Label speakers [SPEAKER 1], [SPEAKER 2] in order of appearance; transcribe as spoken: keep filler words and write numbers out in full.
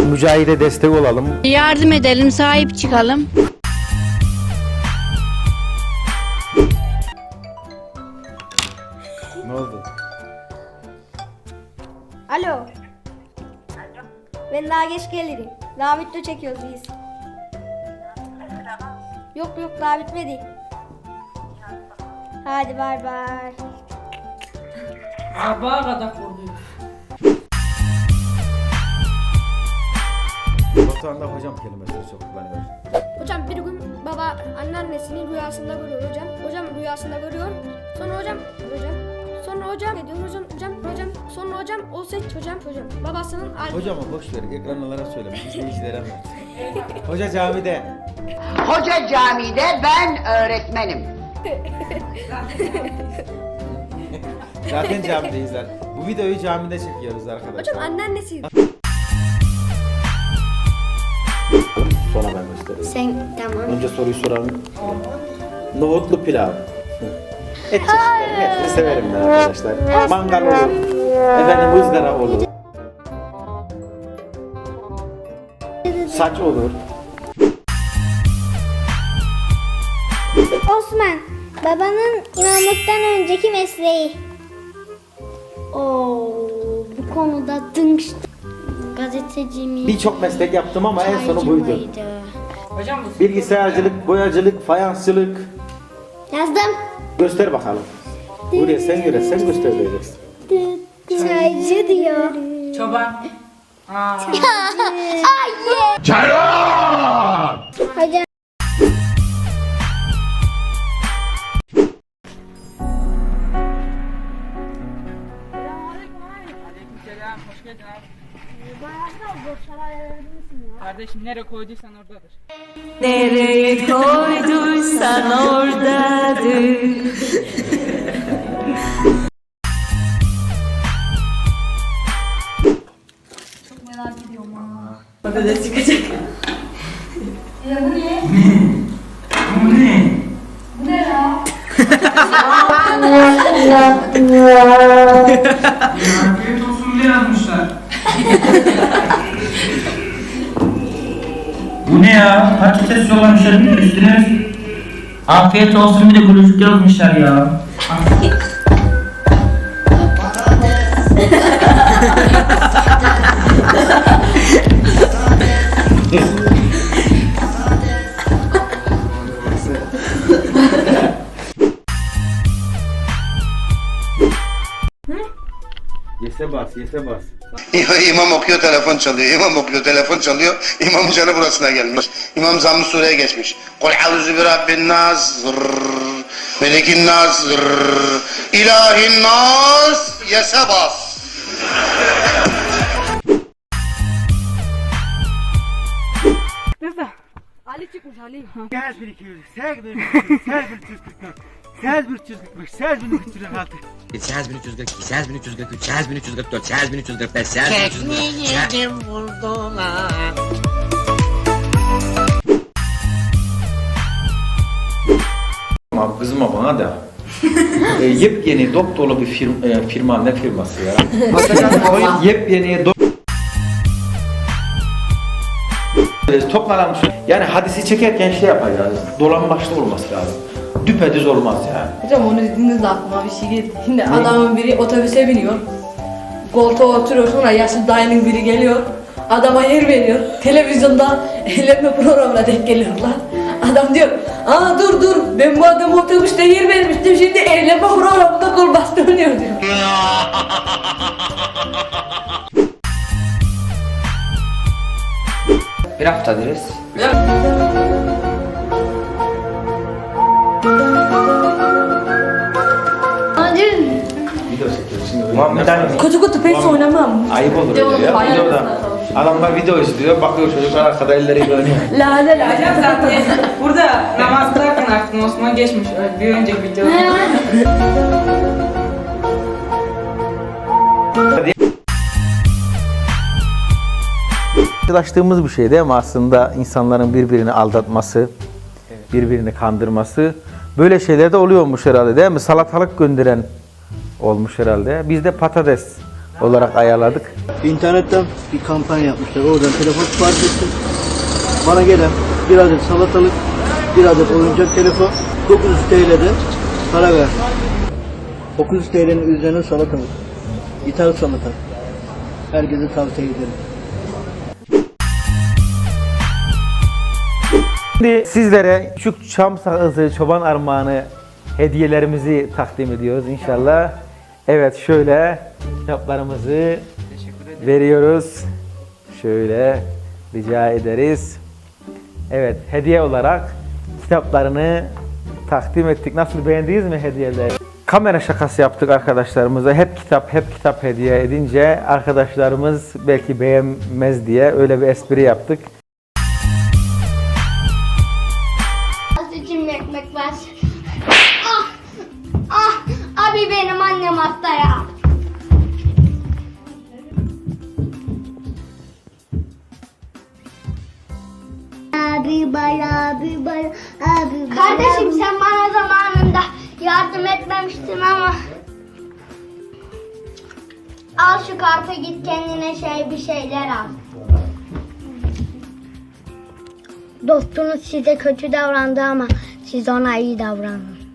[SPEAKER 1] mücahide destek olalım.
[SPEAKER 2] Yardım edelim, sahip çıkalım.
[SPEAKER 1] Ne oldu?
[SPEAKER 3] Alo. Alo. Ben daha geç gelirim. Daha video çekiyoruz biz. Yok yok daha bitmedi. Hadi bay bay.
[SPEAKER 4] Sabaha kadar vurduk.
[SPEAKER 1] Batuhan'da hocam kelimesi çok kullanıyor.
[SPEAKER 3] Hocam bir gün baba anneannesini rüyasında görüyor hocam. Hocam rüyasında görüyor. Sonra hocam hocam. Sonra hocam ne diyor hocam hocam hocam. Sonra hocam o seç hocam hocam. Babasının al.
[SPEAKER 1] Hocama boş ver, ekranlara söyle, izleyicilere anlat. Hoca camide.
[SPEAKER 5] Hoca camide ben öğretmenim.
[SPEAKER 1] Zaten camideyiz lan. Bu videoyu camide çekiyoruz arkadaşlar.
[SPEAKER 3] Hocam anneannesi.
[SPEAKER 1] Sonra ben göstereyim.
[SPEAKER 3] Sen tamam.
[SPEAKER 1] Önce soruyu soralım. Nohutlu pilav. Et çeşitleri. Hepsini severim ben arkadaşlar. Mangal olur. Efendim ızgara olur. Saç olur.
[SPEAKER 6] Osman, babanın imamlıktan önceki mesleği. Oo, bu konuda dınç. Gazeteci mi?
[SPEAKER 1] Birçok meslek yaptım ama en sonu
[SPEAKER 6] çaycı
[SPEAKER 1] buydu.
[SPEAKER 6] mıydı?
[SPEAKER 4] Hocam bu
[SPEAKER 1] Bilgisayarcılık, boyacılık, fayansçılık.
[SPEAKER 6] Yazdım.
[SPEAKER 1] Göster bakalım. Buraya sen göre sen göstereceksin.
[SPEAKER 6] Çaycı diyor.
[SPEAKER 4] çoban. Aa.
[SPEAKER 6] Hocam.
[SPEAKER 4] Aleykümselam, hoş geldin abi. Kardeşim nereye koyduysan oradadır.
[SPEAKER 7] Nereye koyduysan oradadır.
[SPEAKER 4] Çok merak ediyorum ha. Patates çıkacak.
[SPEAKER 8] Afiyet olsun diye yazmışlar. Bu ne ya? Patates yollamışlar bir de üstüne. Afiyet olsun bir de gülücük yazmışlar ya.
[SPEAKER 1] Yese bas, yese bas.
[SPEAKER 9] İmam okuyor, telefon çalıyor. İmam okuyor, telefon çalıyor. İmamın canı burasına gelmiş. İmam Zamm-ı Sure'ye geçmiş. Kul a'udhu bi rabbin nas, zırrrr, melikin nas, zırrrr, ilahin nas, yese bas.
[SPEAKER 4] Ali çıkmış Ali.
[SPEAKER 8] Gel bir iki yüz, sel bir iki yüz, sel bir üç yüz kırk dört, sel bir üç yüz kırk beş, sel bir üç yüz kırk altı.
[SPEAKER 10] Sel bin üç yüz kırk iki, sel bin üç yüz kırk üç, sel bin üç yüz kırk dört, sel bin üç yüz kırk beş, sel bin üç yüz kırk altı. Vurdular.
[SPEAKER 1] Abi kızma bana da. e, yepyeni doktorlu bir firma, e, firma ne firması ya? Yepyeni do e, toplanan yani hadisi çekerken şey yapacağız. Dolambaçlı olması lazım. Düpedüz olmaz yani.
[SPEAKER 7] Hocam onu dediğiniz aklıma bir şey geldi. Şimdi adamın biri otobüse biniyor. Koltuğa oturuyor, sonra yaşlı dayının biri geliyor. Adama yer veriyor. Televizyonda eğlenme programına denk geliyorlar. Adam diyor, aa dur dur ben bu adama otobüste yer vermiştim, şimdi eğlenme programında kol bastı oynuyor diyor.
[SPEAKER 8] Bir hafta deriz.
[SPEAKER 1] Video çekiyoruz şimdi.
[SPEAKER 8] Muhammed Ali.
[SPEAKER 7] Kutu kutu pes oynamam.
[SPEAKER 1] Ayıp olur öyle ya. Videoda adamlar video izliyor, bakıyor çocuklar arkada elleriyle oynuyor.
[SPEAKER 7] La la la.
[SPEAKER 4] Hocam zaten burada namaz kılarken aklım Osman geçmiş. Bir önceki videoda.
[SPEAKER 1] Karşılaştığımız bir şey değil mi aslında insanların birbirini aldatması, birbirini kandırması. Böyle şeyler de oluyormuş herhalde değil mi? Salatalık gönderen olmuş herhalde. Bizde patates olarak ayarladık.
[SPEAKER 11] İnternetten bir kampanya yapmışlar. Oradan telefon sipariş ettim. Bana gelen bir adet salatalık, bir adet oyuncak telefon, dokuz yüz T L'de para verdim. dokuz yüz T L'nin üzerine salatalık. İthal salata. Herkese tavsiye ederim.
[SPEAKER 1] Şimdi sizlere şu çam sakızı, çoban armağanı hediyelerimizi takdim ediyoruz inşallah. Evet, şöyle kitaplarımızı veriyoruz. Şöyle rica ederiz. Evet, hediye olarak kitaplarını takdim ettik. Nasıl, beğendiniz mi hediyeleri? Kamera şakası yaptık arkadaşlarımıza. Hep kitap, hep kitap hediye edince arkadaşlarımız belki beğenmez diye öyle bir espri yaptık.
[SPEAKER 6] İçimde ekmek var. Ah! Ah! Abi benim annem hasta ya. Abi bay, abi bay, abi bay. Kardeşim sen bana zamanında yardım etmemiştin ama. Al şu kartı, git kendine şey bir şeyler al. Dostunuz size kötü davrandı ama siz ona iyi davranın.